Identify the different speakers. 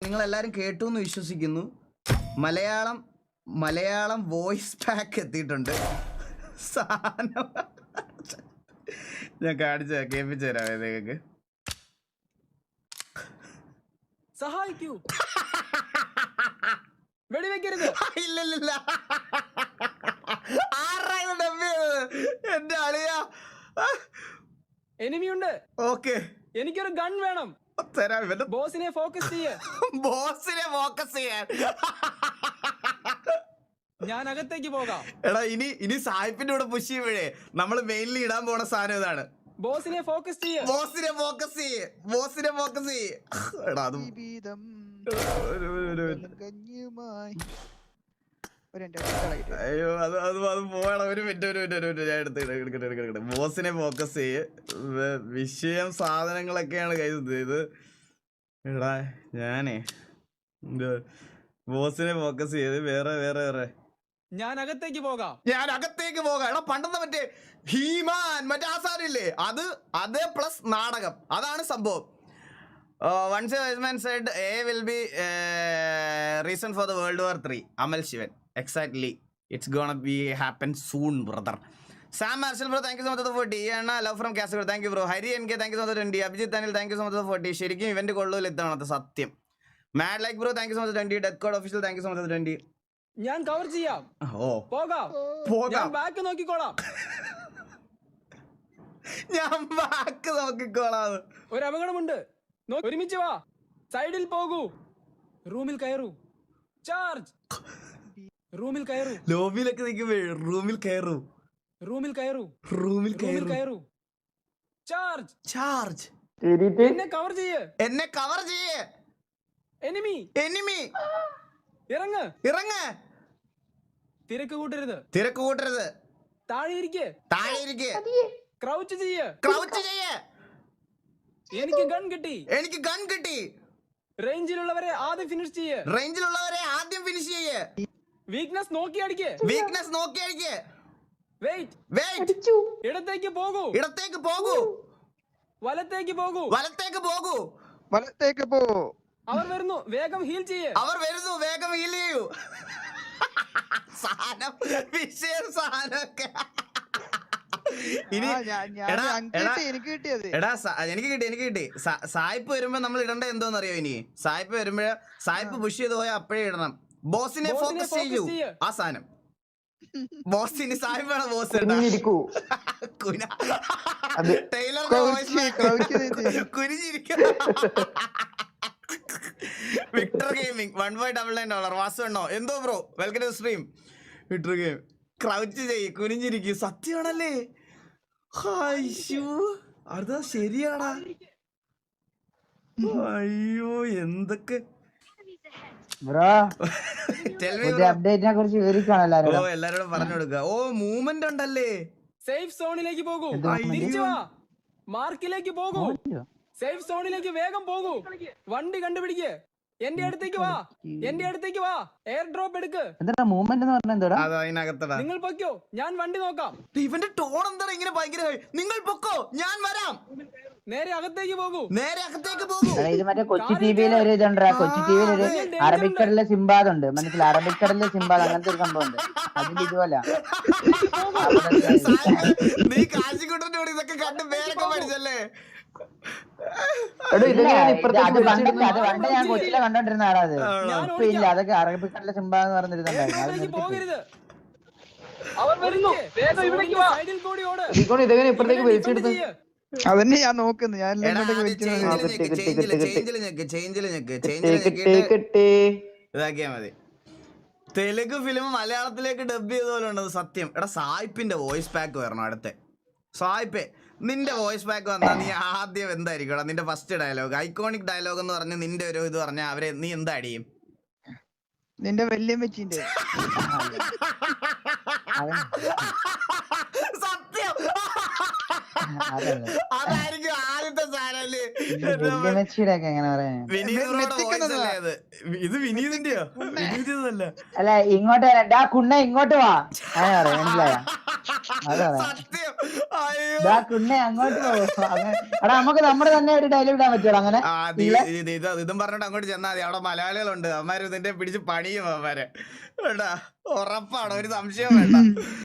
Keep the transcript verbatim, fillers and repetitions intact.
Speaker 1: നിങ്ങൾ എല്ലാരും കേട്ടു എന്ന് വിശ്വസിക്കുന്നു. മലയാളം മലയാളം വോയിസ് പാക്ക് എത്തിയിട്ടുണ്ട്. സാധനം ഞാൻ കാണിച്ച കേൾപ്പിച്ചു തരാം നിങ്ങൾക്ക്.
Speaker 2: സഹായിക്കൂ, വെടിവെക്കരുത്.
Speaker 1: ഇല്ലില്ല, ആരാണ് ഡബ് ചെയ്തത്? എന്റെ അളിയ.
Speaker 2: എനിമിയുണ്ട്.
Speaker 1: ഓക്കെ,
Speaker 2: എനിക്കൊരു ഗൺ വേണം.
Speaker 1: തരാം. ഇവന്റെ
Speaker 2: ബോസിനെ ഫോക്കസ് ചെയ്യ.
Speaker 1: ബോസിനെ ഫോക്കസ് ചെയ്യാൻ.
Speaker 2: ഞാൻ അകത്തേക്ക് പോകാം.
Speaker 1: എടാ ഇനി ഇനി സായിപ്പിന്റെ കൂടെ പുഷ് ചെയ്യുമ്പോഴേ നമ്മള് മെയിൻലി ഇടാൻ പോണ സാധനം ഇതാണ്.
Speaker 2: ബോസിനെ ഫോക്കസ് ചെയ്യ.
Speaker 1: ബോസിനെ ഫോക്കസ് ചെയ്യ്. ബോസിനെ ഫോക്കസ് ചെയ്യ്. എടാ അത് അയ്യോ അത് അത് അത് പോകണം. ഒരു മിനിറ്റ് ഒരു മിനിറ്റ് ഒരു മിനിറ്റ് ഞാൻ എടുത്ത് എടുക്കട്ടെ എടുക്കട്ടെ. ബോസിനെ ഫോക്കസ് ചെയ്യ്. വിഷയം സാധനങ്ങളൊക്കെയാണ് കയ്യിൽ ഇത്. എടാ ഞാനേ ബോസിനെ ഫോക്കസ് ചെയ്ത് വേറെ വേറെ വേറെ
Speaker 2: ഞാൻ അകത്തേക്ക് പോകാം.
Speaker 1: ഞാൻ അകത്തേക്ക് പോകാം. എടാ പണ്ടെന്ന് മറ്റേ ഹീമാൻ മറ്റേ ആ സാധനം ഇല്ലേ, അത് അത് പ്ലസ് നാടകം, അതാണ് സംഭവം. Once a wise man said a will be reason for the World War three. Amal Shivan. Exactly, it's gonna be happen soon brother. Sam Marshal bro thank you so much forty. ആണ് love from Kasaragod thank you bro. Hari N K thank you so much twenty. Abhijith Anil thank you so much forty. ശരിക്കും event കൊള്ളൂല ഇത്തവണത്തെ, സത്യം. Mad like bro thank you so much twenty. Death code official thank you so much twenty.
Speaker 2: ഞാൻ cover ചെയ്യാം.
Speaker 1: ഓ
Speaker 2: പോകാം
Speaker 1: പോകാം.
Speaker 2: Back നോക്കിക്കോളാം.
Speaker 1: ഞാൻ ബാക്ക് നോക്കിക്കോളാം.
Speaker 2: ഒരു അപകടമുണ്ട്. ഒരുമിച്ച് വാ. സൈഡിൽ പോകൂ. റൂമിൽ കയറൂ. ചാർജ്. റൂമിൽ കയറൂ.
Speaker 1: ലോബിയിലൊക്കെ നിൽക്കുമ്പോ റൂമിൽ കയറൂ.
Speaker 2: റൂമിൽ കയറൂ.
Speaker 1: റൂമിൽ
Speaker 2: കയറൂ. ചാർജ്.
Speaker 1: ചാർജ്.
Speaker 2: എന്നെ കവർ ചെയ്യ്.
Speaker 1: എന്നെ കവർ ചെയ്യ്.
Speaker 2: എനിമി.
Speaker 1: എനിമി.
Speaker 2: ഇറങ്ങ്.
Speaker 1: ഇറങ്ങ്.
Speaker 2: തിരക്ക് കൂട്ടരുത്.
Speaker 1: തിരക്ക് കൂട്ടരുത്.
Speaker 2: താഴെ ഇരിക്ക്.
Speaker 1: താഴെ ഇരിക്ക്.
Speaker 2: ക്രൗച്ച് ചെയ്യ്.
Speaker 1: ക്രൗച്ച് ചെയ്യ്.
Speaker 2: എനിക്ക് ഗൺ കിട്ടി.
Speaker 1: എനിക്ക് ഗൺ കിട്ടി.
Speaker 2: റേഞ്ചിലുള്ളവരെ ആദ്യം ഫിനിഷ് ചെയ്യ്.
Speaker 1: റേഞ്ചിലുള്ളവരെ ആദ്യം ഫിനിഷ് ചെയ്യ്.
Speaker 2: വീക്ക്നെസ് നോക്കി അടിക്ക്.
Speaker 1: വീക്ക്നെസ് നോക്കി അടിക്ക്.
Speaker 2: വെയിറ്റ്.
Speaker 1: വെയിറ്റ്.
Speaker 2: ഇടത്തേക്ക് പോകൂ.
Speaker 1: ഇടത്തേക്ക് പോകൂ.
Speaker 2: വലത്തേക്ക് പോകൂ.
Speaker 1: വലത്തേക്ക് പോകൂ.
Speaker 3: വലത്തേക്ക് പോ.
Speaker 2: അവർ വരുന്നു, വേഗം ഹീൽ ചെയ്യ്.
Speaker 1: അവർ വരുന്നു, വേഗം ഹീൽ ചെയ്യൂ. സാധനം വിഷയം സാധനമൊക്കെ. ഇനി
Speaker 3: എനിക്ക് കിട്ടിയത്
Speaker 1: എടാ എനിക്ക് കിട്ടി എനിക്ക് കിട്ടി സായിപ്പ് വരുമ്പോ നമ്മൾ ഇടണ്ട എന്തോന്ന് അറിയോ? ഇനി സായിപ്പ് വരുമ്പോഴേ സായിപ്പ് പുഷ് ചെയ്ത് പോയാൽ അപ്പോഴേ ഇടണം. ബോസിനെ ഫോക്കസ് ചെയ്യൂ. ആ സാധനം ബോസിന് സായിപ്പാണ് ബോസ്. കുനിഞ്ഞിരിക്കും. Victor gaming one five double nine dollar. Vasu എണ്ണോ എന്തോ bro, welcome to stream. Victor game. Crouch ചെയ്യ്, കുനിഞ്ഞിരിക്കും. സത്യമാണല്ലേ? അതാ ശരിയാടാ. അയ്യോ എന്തൊക്കെ ഓ എല്ലാരോടും പറഞ്ഞു കൊടുക്കുക. ഓ മൂവ്മെന്റ് ഉണ്ടല്ലേ.
Speaker 2: സേഫ് സോണിലേക്ക് പോകൂ. തിരിച്ചു വാ. മാർക്കിലേക്ക് പോകൂ. സേഫ് സോണിലേക്ക് വേഗം പോകൂ. വണ്ടി കണ്ടുപിടിക്ക്. എന്റെ അടുത്തേക്ക് വാ. എന്റെ അടുത്തേക്ക് വാ. എയർ ഡ്രോപ്പ് എടുക്ക്. നിങ്ങൾ പൊക്കോ, ഞാൻ വണ്ടി നോക്കാം.
Speaker 1: ഇവന്റെ ടോൺ എന്താ ഇങ്ങനെ ഭയങ്കര? നിങ്ങൾ പൊക്കോ, ഞാൻ വരാം.
Speaker 2: നേരെ അകത്തേക്ക് പോകൂ.
Speaker 1: നേരെ അകത്തേക്ക് പോകൂ.
Speaker 4: ഇത് മറ്റേ കൊച്ചി ടിവിയിലെ ഒരു ഇതുണ്ട്. കൊച്ചി ടിവിയിൽ ഒരു അറബിക്കടലിലെ സിംബാദ് ഉണ്ട്. മനസ്സിലായി? അറബിക്കടലിലെ സിംബാദ് അങ്ങനത്തെ ഒരു സംഭവം ഉണ്ട്. അതിന്റെ ഇതുപോലെ
Speaker 1: നീ കാശിക്കുട്ടന്റെ കൂടെ ഇതൊക്കെ കണ്ട് പേരൊക്കെ പഠിച്ചല്ലേ?
Speaker 4: അത് പണ്ട് ഞാൻ കൊച്ചിയിലെ കണ്ടോണ്ടിരുന്ന ആളാ. അത് ഇപ്പൊ ഇല്ല. അതൊക്കെ അറബിക്കടലിലെ സിംബാദ് എന്ന് പറഞ്ഞിരുന്നുണ്ടായിരുന്നു.
Speaker 2: ഇതെങ്ങനെ ഇപ്പഴത്തേക്ക് വലിച്ചെടുത്ത്?
Speaker 3: അതന്നെ ഞാൻ നോക്കുന്നു. ഞാൻ
Speaker 1: ഇതാക്കിയാ മതി. തെലുങ്ക് ഫിലിം മലയാളത്തിലേക്ക് ഡബ് ചെയ്ത പോലെ ഉണ്ടത് സത്യം. എടാ സായിപ്പിന്റെ വോയിസ് പാക്ക് വരണം അടുത്ത. സായിപ്പേ നിന്റെ വോയിസ് പാക്ക് വന്നാ നീ ആദ്യം എന്തായിരിക്കും? നിന്റെ ഫസ്റ്റ് ഡയലോഗ്, ഐക്കോണിക് ഡയലോഗ് എന്ന് പറഞ്ഞ് നിന്റെ ഒരു ഇത് പറഞ്ഞ അവരെ നീ എന്താ അടിയും?
Speaker 3: നിന്റെ വല്യമ്മച്ചിന്റെ
Speaker 1: സത്യം അതായിരിക്കും ആദ്യത്തെ സാധനല്ലേ. ഇത് വിനീതിന്റെയോ? വിനീതല്ല.
Speaker 4: അല്ല ഇങ്ങോട്ട് വരണ്ട കുണ്ണ, ഇങ്ങോട്ട് വാ. മനസ്സിലായോ?
Speaker 1: സത്യം. അയ്യോ
Speaker 4: ദാ കുണ്ണെ അങ്ങോട്ട് പോകും അങ്ങനെ എടാ നമുക്ക് നമ്മുടെ തന്നെ ഒരു ഡയലോഗ് ഇടാൻ പറ്റുമോ അങ്ങനെ
Speaker 1: ആ ദീ- ഇത് ഇത് ഇതും പറഞ്ഞിട്ട് അങ്ങോട്ട് ചെന്നാൽ മതി. അവിടെ മലയാളികളുണ്ട്, അവന്മാര് ഇതിന്റെ പിടിച്ച് പണിയും അവന്മാരെ. കേട്ടാ, ഉറപ്പാണ്, ഒരു സംശയം വേണ്ട.